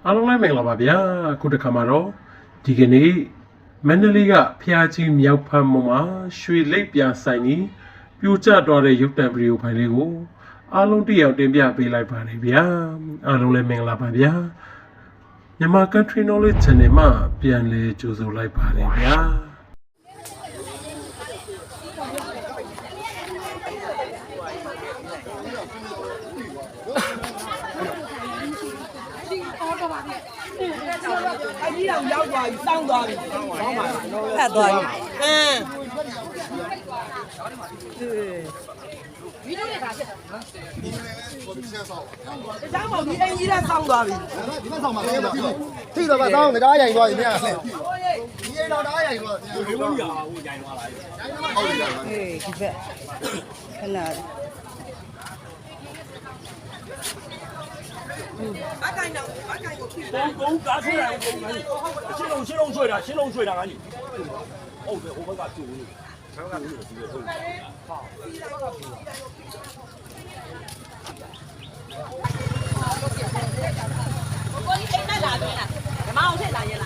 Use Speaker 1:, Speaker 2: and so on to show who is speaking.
Speaker 1: အားလုံးလည်းမင်္ဂလာပါဗျာခုတစ်ခါမှာတော့ဒီကနေ့မန္တလေးကဖျားကြီးမြောက်ဖက်မှာရွှေလိပ်ပြဆိုင်ကြီးပြိုကျသွားတဲ့ရုပ်တံဗီဒီယိုဖိုင်လေးကိုအားလုံးတစ်ယောက်တင်ပြပေးလိုက်ပါတယ်ဗျာအားလုံးလည်းမင်္ဂလာပါဗျာမြန်မာ Country Knowledge Channel မှာပြန်လည်ကြိုဆိုလိုက်ပါတယ်ဗျာ
Speaker 2: အကြီးအောင်ရောက်သွားပြီစောင်းသွားပြီဆောင်းပါဖတ်သွားပြီဗီဒီယိုနဲ့ဒါဖြစ်တာနော်ဒီကျောင်းပေါ်ဒီအင်ကြီးနဲ့စောင်းသွားပြီ
Speaker 3: ဒီမှာဆောင်ပါတော့ထိတော့ပါတော့ငကားရိုင်သွားပြီမြတ်ဒီအိမ်တော့တားရိုင်သွားတယ်ဒီလိုမျိုးဟိုရိုင်သွားလာဟုတ်ပြီဟေးဒီဘက်ခဏ
Speaker 2: အကိုင်တော့အကိုင်ကိုဖြီး
Speaker 4: 公打出来，新龙水的，新龙水的赶紧。哦，对，我们把酒，我们把酒直接抽。好。
Speaker 2: 我你အိမ်နဲ့လာပြီလားဓမ္မအောင်ထည့်လာရင်လား